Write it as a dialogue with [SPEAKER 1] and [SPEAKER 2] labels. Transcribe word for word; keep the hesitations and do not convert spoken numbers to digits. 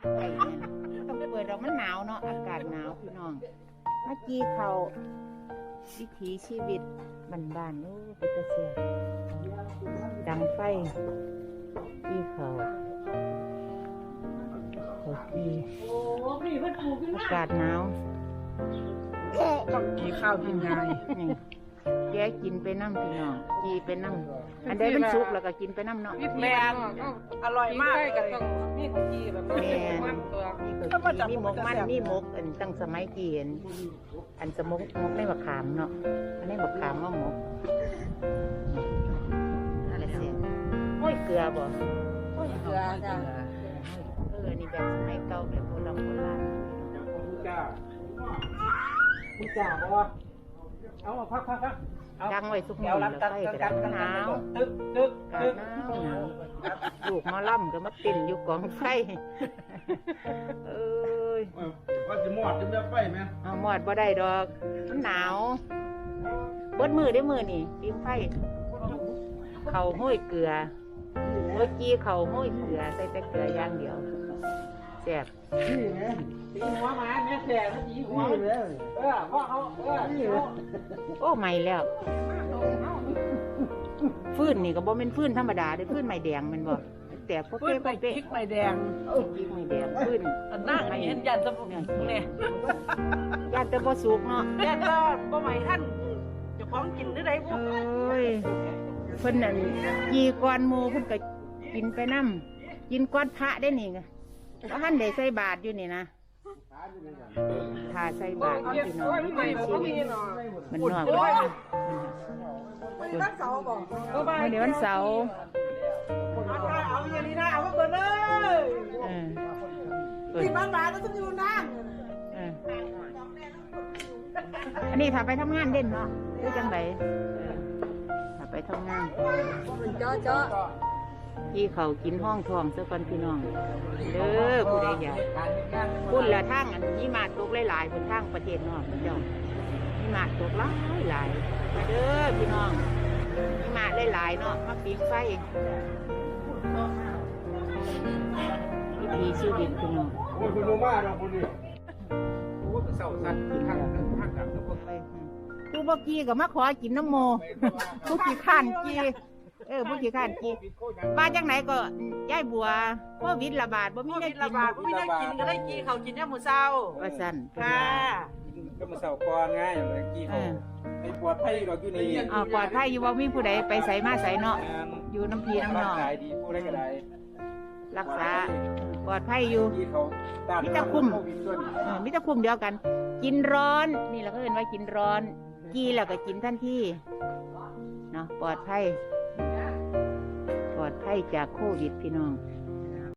[SPEAKER 1] ไอ้เนี่ยต้องเปิดดอกมันหนาวเนาะอากาศหนาวพี่น้องเมื่อกี้เขาวิถีชีวิตบ้านๆนู้เป็นตะเสียดังไฟที่เขาเขาที่อากาศหนาว
[SPEAKER 2] ต้องกินข้าวกินไง
[SPEAKER 1] แกกินไปน้ำพี่น้องกีไปน้ำอันใดมันสุกแล้วก็กินไปน้ำเนาะ
[SPEAKER 2] แมนอร่อยมากกับต้องมีของกีแบบ
[SPEAKER 1] แม่น
[SPEAKER 2] มันตัว
[SPEAKER 1] มีหมกมันมีหมกอันตั้งสมัยกี่อันอันสมกหมกในบักขามเนาะอันนี้บักขามว่าหมกอะไรเสียห้อยเกลือบ่
[SPEAKER 2] เกลือจ้ะ
[SPEAKER 1] เออนี่แบบสมัยเก่าแบบโบราณโบราณ
[SPEAKER 2] ผู้จ้าผู้จ้าเพราะว่าเอาพักพักพัก
[SPEAKER 1] ดังไว้สุกมือแล้วไฟกระดับหนาว
[SPEAKER 2] ตึ๊กตึ๊ก
[SPEAKER 1] กา
[SPEAKER 2] ตึ๊ก
[SPEAKER 1] หนาวหนาวลูกมาล่ำก็มาติ่นอยู่กองไฟเอ้ย
[SPEAKER 3] ว่าจะหมอดจะไม่ไฟไหม
[SPEAKER 1] เอาหมอดบ่ได้ดอกมันหนาวเบิดมือได้มือนี่ปิ้งไฟเขาห้อยเกลือเมื่อกี้เขาห้อยเกลือใส่แต่เกลืออย่างเดียวแซ่บ
[SPEAKER 3] นี่ไง
[SPEAKER 2] ตีหัวหมาแม่แฉะตีหัว
[SPEAKER 3] นี่เลย
[SPEAKER 2] เออพ่อเขาเออ
[SPEAKER 3] นี่เลย
[SPEAKER 1] โอ้ใหม่แล้วฟื้นนี่ก็บ่เป็นฟื้นธรรมดาเด้อฟื้นใหม่แดงแมันบ่แต่พวก
[SPEAKER 2] ปื้
[SPEAKER 1] เป๊ะ
[SPEAKER 2] นไป
[SPEAKER 1] เป๊ะ
[SPEAKER 2] พริกใบแดง
[SPEAKER 1] พริกใหม่แดงฟื้น
[SPEAKER 2] นั่งเห็นยันสมุนเนี่ย
[SPEAKER 1] ญาติแต่บ่สุกเนาะ
[SPEAKER 2] ยันก็บ่ใหม่ท่านจะพร้อมกินหรือไรพวก
[SPEAKER 1] เอ้ยเพิ่นนั่นกีก้อนหมูเพิ่นก็กินไปน้ำกินก้อนพระได้นี่ไงเพราะท่านได้ใส่บาตรอยู่นี่นะถ้าใส่บาตรพี่น้องวิถีชีวิตมันนอกเลยนะ
[SPEAKER 2] วันนี้วันเสาร์บอก
[SPEAKER 1] วันนี้วันเสาร์
[SPEAKER 2] เอาอย่างนี้นะเอาเปิดเลย
[SPEAKER 1] เออเปิด
[SPEAKER 2] สิบบาทบาทแล้วจะอยู่นั่ง
[SPEAKER 1] เอออันนี้ถ้าไปทำงานเด่นเนาะคือจังไดเออถ้าไปทำงาน
[SPEAKER 2] เจาะเจาะ
[SPEAKER 1] พี่เขากินห้องทองซะก่อนพี่น้องเด้อผู้ใดอยากพุ่นละทางอันนี้มาตกหลายๆบนทางประเทศนอกเจ้านี่มาตกหลายหลายมาเด้อพี่น้องนี่มาหลายๆเนาะมาปีกไฟวิถีชีวิตพี่น้อง
[SPEAKER 3] โอ้ยคุณโนมาดอกคนนี้
[SPEAKER 2] โอ้เสาสัตว์ทางทางกับทุกคน
[SPEAKER 1] ไปผู้บ่กี้ก็มาขอกินน้ำโมผู้ขี้ข้านกี้เออผู้ขี้ข้านกี้มาจากไหนก็ย่ายบัวโควิดระบาดบ่มี
[SPEAKER 2] มี
[SPEAKER 1] ได้
[SPEAKER 2] ได้
[SPEAKER 1] กิ
[SPEAKER 2] กิ
[SPEAKER 1] น
[SPEAKER 2] นมีได้กินก็ได้กินเขากินเนี่ยหมูเศร้า
[SPEAKER 1] ว่าซั่น
[SPEAKER 2] ค่ะ
[SPEAKER 3] ก็มาเสาก่อนไงอย่างเมื่อกี้
[SPEAKER 1] เอ
[SPEAKER 3] เขา
[SPEAKER 1] อ
[SPEAKER 3] ไปปวดไผ่เราอยู่นี่
[SPEAKER 1] อ่าปลอดภัยอยู่บ่มีผู้ใดไปใส่มาใส่เนาะอยู่น้ำพีน้ำนอง
[SPEAKER 3] ขายดีผู้ใดก็ได้
[SPEAKER 1] รักษาปลอดภัยอยู่
[SPEAKER 3] ที่เขาต้าน
[SPEAKER 1] มีแต่คุ้ม
[SPEAKER 3] โควิดด้วยนี่
[SPEAKER 1] เออมิตรคุมเดียวกัน กินร้อนนี่เราก็เรียนว่ากินร้อนกีแล้วก็กินทันทีเนาะปลอดภัยปลอดภัยจากโควิดพี่น้อง